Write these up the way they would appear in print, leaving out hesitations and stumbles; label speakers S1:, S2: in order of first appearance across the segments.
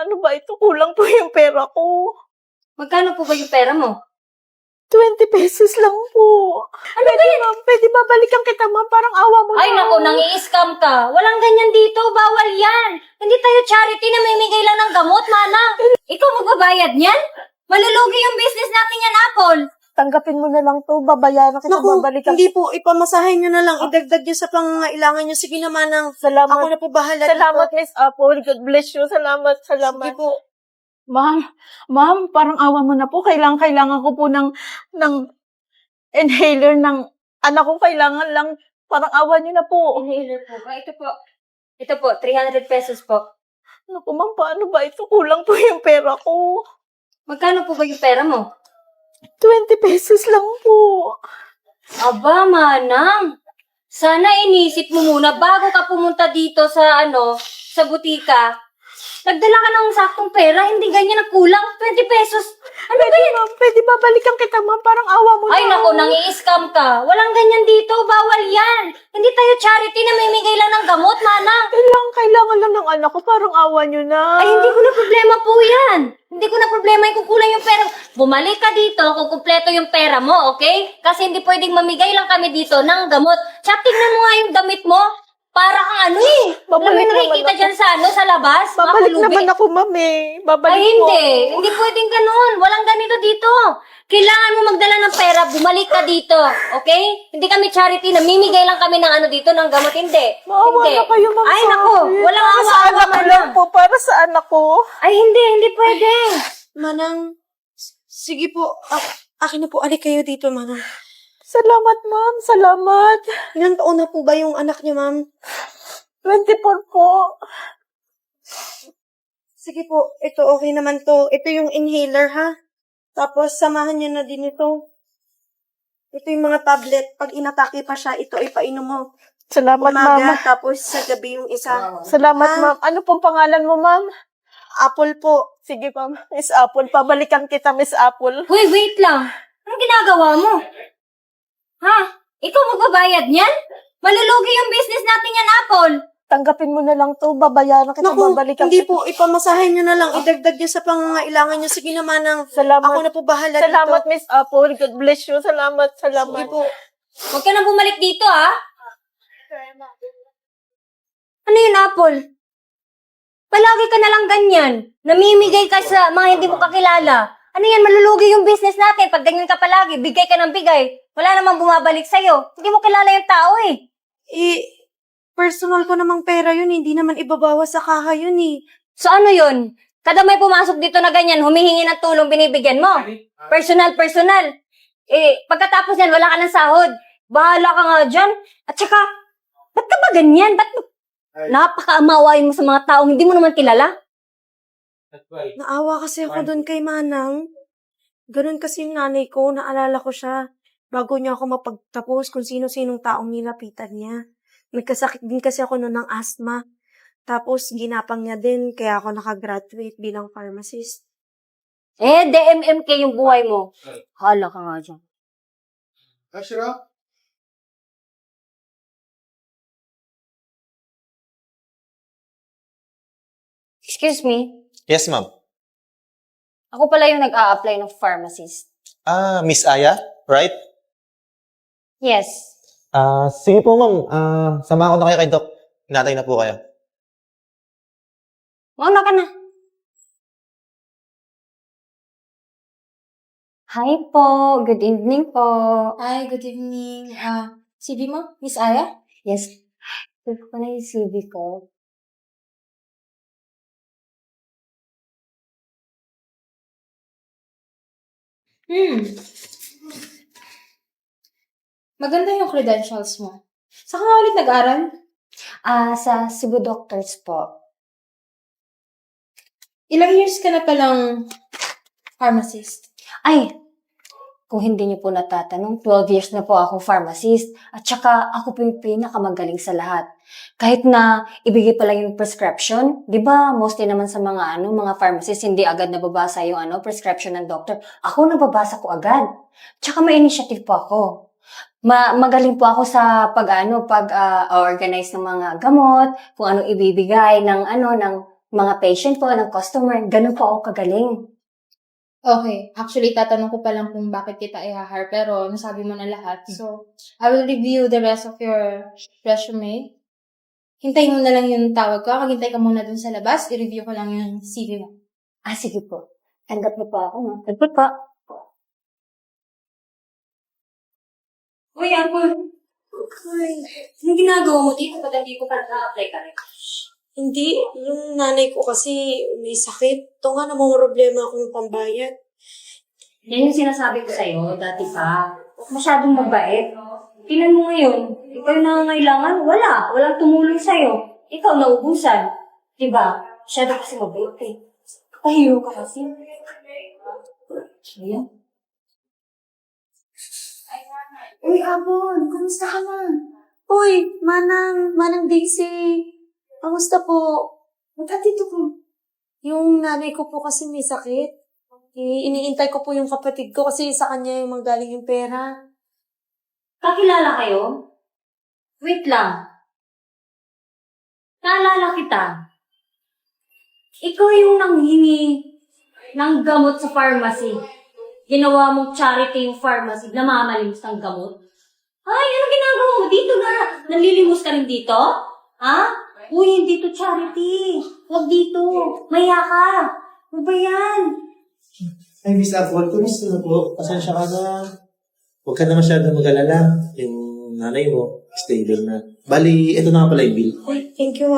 S1: paano ba ito? Kulang po yung pera ko.
S2: Magkano po ba yung pera mo?
S1: 20 pesos lang po. Ano ba yan? Ma'am, pwede ba balikan kita, ma'am? Parang awa mo
S2: Ay,
S1: na.
S2: naku, nang-i-scam ka. Walang ganyan dito. Bawal yan. Hindi tayo charity na mamimigay lang ng gamot, manang. Ikaw magbabayad niyan? Malulugi yung business natin yan, Apple.
S1: Tanggapin mo na lang to. Babayaran kita,
S3: Naku,
S1: babalikan.
S3: hindi po. Ipamasahin nyo na lang. Idagdag nyo sa pangangailangan nyo. Sige naman ang
S1: Salamat.
S3: ako na po bahala
S1: Salamat,
S3: dito.
S1: Miss Apple. God bless you. Salamat.
S3: Sige po.
S1: Ma'am, parang awa mo na po. Kailangan ko po ng inhaler ng anak ko. Kailangan lang. Parang awa niyo na po.
S2: Inhaler po ba? Ito po. Ito po, 300 pesos po.
S1: Naku, ma'am, paano ba ito? Kulang po yung pera ko.
S2: Magkano po ba yung pera mo?
S1: 20 pesos lang po.
S2: Aba, manang. Sana inisip mo muna bago ka pumunta dito sa sa butika. Nagdala ka ng saktong pera, hindi ganyan ang kulang. 20 pesos. Ano ba yan?
S1: Ma'am, pwede ba balikan kita, ma'am? Parang awa mo
S2: Ay,
S1: na.
S2: naku, nang-i-scam ka. Walang ganyan dito. Bawal yan. Hindi tayo charity na mamimigay lang ng gamot, manang.
S1: Kailangan lang ng anak ko. Parang awa niyo na.
S2: Ay, hindi ko na problema po yan. Hindi ko na problema yung kukulang yung pera. Bumalik ka dito kung kumpleto yung pera mo, okay? Kasi hindi pwedeng mamigay lang kami dito ng gamot. Tsaka tingnan mo nga yung damit mo. Para kang
S1: Babalik
S2: Alam mo nakikita
S1: naman
S2: dyan sa labas?
S1: Babalik
S2: mga pulubi.
S1: naman ako, ma'am eh. Babalik
S2: Ay, hindi. Hindi pwedeng ganun. Walang ganito dito. Kailangan mo magdala ng pera, bumalik ka dito. Okay? Hindi kami charity, namimigay lang kami ng dito, ng gamot. Hindi.
S1: Maawa
S2: Hindi.
S1: na kayo, ma'am.
S2: Ay,
S1: sorry.
S2: naku. Walang
S1: Para sa
S2: awa-awa
S1: anak ko
S2: man
S1: lang
S2: lang.
S1: po. Para sa anak ko.
S2: Ay, hindi pwede.
S3: Manang, sige po. Akin na po. Alik kayo dito, Manang.
S1: Salamat, ma'am. Salamat.
S3: Ilang taon na po ba yung anak niyo, ma'am?
S1: 24 po.
S3: Sige po. Ito, okay naman to. Ito yung inhaler, ha? Tapos, samahan niyo na din ito. Ito yung mga tablet. Pag inatake pa siya, ito ay painom mo.
S1: Salamat,
S3: Umaga,
S1: ma'am.
S3: tapos sa gabi yung isa.
S1: Salamat,
S3: Ah.
S1: ma'am. Ano pong pangalan mo, ma'am?
S3: Apple po.
S1: Sige, ma'am. Miss Apple. Pabalikan kita, Miss Apple.
S2: Hoy, wait lang. Anong ginagawa mo? Ha? Ikaw magbabayad niyan? Malulugi yung business natin yan, Apple.
S1: Tanggapin mo na lang to. Babayaran kita.
S3: Naku,
S1: Babalikan
S3: hindi
S1: kita.
S3: po. Ipamasahin nyo na lang. Idagdag nyo sa pangangailangan nyo. Sige naman ang
S1: Salamat.
S3: ako na po bahala
S1: Salamat,
S3: dito.
S1: Miss Apple. God bless you. Salamat.
S3: Sige
S1: Salamat.
S3: po.
S2: Huwag ka na bumalik dito, ha? Ano yun, Apple? Palagi ka na lang ganyan. Namimigay ka sa mga hindi mo kakilala. Ano yan, malulugi yung business natin. Pag ganyan ka palagi, bigay ka ng bigay. Wala namang bumabalik sa'yo. Hindi mo kilala yung tao, eh.
S3: Personal ko namang pera yun. Hindi naman ibabawas sa kaha yun eh.
S2: So ano yun? Kada may pumasok dito na ganyan, humihingi ng tulong, binibigyan mo. Personal. Pagkatapos yan, wala ka ng sahod. Bahala ka nga dyan. At saka, ba't ka ba ganyan? Ba't napaka-amawain mo sa mga taong hindi mo naman kilala?
S3: Naawa kasi ako doon kay Manang. Ganun kasi yung nanay ko. Naalala ko siya. Bago niya ako mapagtapos kung sino-sinong taong nilapitan niya. Nagkasakit din kasi ako noon ng asthma. Tapos, ginapang niya din, kaya ako nakagraduate bilang pharmacist.
S2: DMMK yung buhay mo. Hala ka nga dyan.
S4: Ashra?
S2: Excuse me,
S5: Yes, ma'am.
S2: ako pala yung nag-a-apply ng pharmacist.
S5: Miss Aya, right?
S2: Yes.
S5: Sige po, ma'am. Samahan ko na kayo kay Doc. Hinatay na po kayo.
S2: Mauna ka na. Hi po. Good evening po.
S6: Hi, good evening. CV mo, Miss Aya?
S2: Yes. Ito ko na yung CV ko.
S6: Maganda yung credentials mo. Saan ka nga ulit nag-aral?
S2: Sa Cebu Doctors po.
S6: Ilang years ka na palang pharmacist?
S2: Ay, kung hindi niyo po natatanong, 12 years na po akong pharmacist. At saka, ako po yung pinakamagaling sa lahat. Kahit na ibigay pa lang yung prescription, di ba, mostly naman sa mga mga pharmacist, hindi agad nababasa yung prescription ng doctor. Ako nababasa ko agad. Tsaka may initiative po ako. Magaling po ako sa pag-organize ng mga gamot, kung anong ibibigay ng mga patient po, ng customer. Ganun po ako kagaling.
S6: Okay. Actually, tatanong ko pa lang kung bakit kita i-hire, pero nasabi mo na lahat. So, I will review the rest of your resume. Hintayin mo na lang yung tawag ko. Maghintay ka muna dun sa labas. I-review ko lang yung CV mo.
S2: Sige po. Tanggap mo po ako, no? Tanggap po.
S6: Uy, Apple. Anong ginagawa mo dito? Ba't hindi ko pa na-apply ka rin?
S3: Hindi, yung nanay ko kasi may sakit. Ito nga namang problema akong pambayad.
S2: Yan yung sinasabi ko sa'yo, dati pa. Huwag masyadong mabait. Tingnan mo ngayon, ikaw yung nangangailangan, walang tumulong sa'yo. Ikaw naubusan. Diba? Masyado kasi mabait eh. Kapahiro ka kasi. Ayan.
S6: Uy, Apple. Kumusta ka na?
S3: Uy, Manang Daisy. Kamusta po?
S6: Ba't dito ko?
S3: Yung nanay ko po kasi may sakit. Iniintay ko po yung kapatid ko kasi sa kanya yung manggaling yung pera.
S2: Kakilala kayo? Wait lang. Naalala kita. Ikaw yung nanghingi ng gamot sa pharmacy. Ginawa mong charity yung pharmacy, namamalimos ng gamot. Ay, ano ginagawa mo dito na? Nanlilimos ka rin dito? Ha? Uy, hindi to charity. Huwag dito. Maya ka. Ano ba yan?
S5: Ay, Miss Apple, kumusta na po? Pasensya ka na. Huwag ka na masyadong mag-alala. Yung nanay mo, stable na. Bali, ito na nga pala yung bill.
S3: Uy, thank you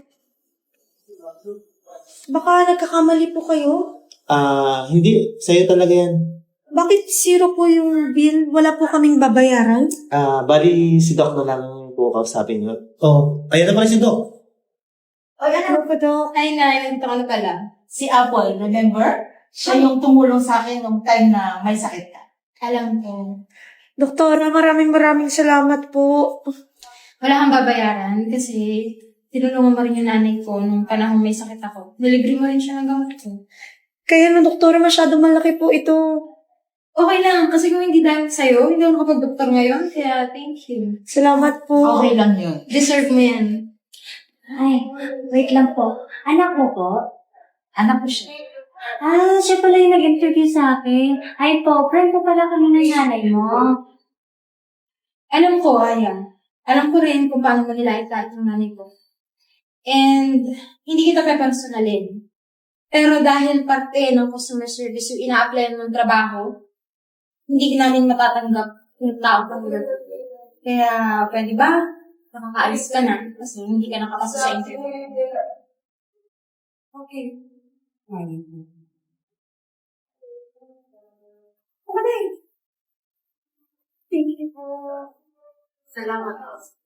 S3: Baka nagkakamali po kayo?
S5: Hindi. Sa'yo talaga yan.
S3: Bakit zero po yung bill? Wala po kaming babayaran?
S5: Bali, si Doc na lang po kausapin nyo. Oh, ayan na pala si Doc.
S3: Ano po, Dok?
S7: Ay, ito ano pala, si Apple, remember? Siya yung tumulong sa akin nung time na may sakit ka.
S6: Alam ko.
S3: Doktora, maraming salamat po.
S6: Wala kang babayaran kasi tinulungan mo rin yung nanay ko nung panahon may sakit ako. Nilibre mo rin siya ng gamot ko.
S3: Kaya no, doktora, masyado malaki po ito.
S6: Okay lang, kasi kung hindi dahil sa'yo, hindi ako nakapag-doktor ngayon, kaya thank you.
S3: Salamat po.
S7: Okay lang yun.
S6: Deserve mo yan.
S2: Ay, wait lang po. Anak mo po?
S7: Anak ko siya.
S2: Siya pala yung nag-interview sa akin. Ay po, friend ko pala kami ng nanay mo.
S6: Alam ko, Aya. Alam ko rin kung paano mo nilait lahat ng nanay ko. And, hindi kita pepersonalin. Pero dahil parte ng customer service yung ina-apply ng trabaho, hindi namin matatanggap yung tao ko. Kaya, pwede ba? Nakakaalis ka na kasi hindi ka nakapasa sa interview. Okay. Okay. Thank you po. Salamat.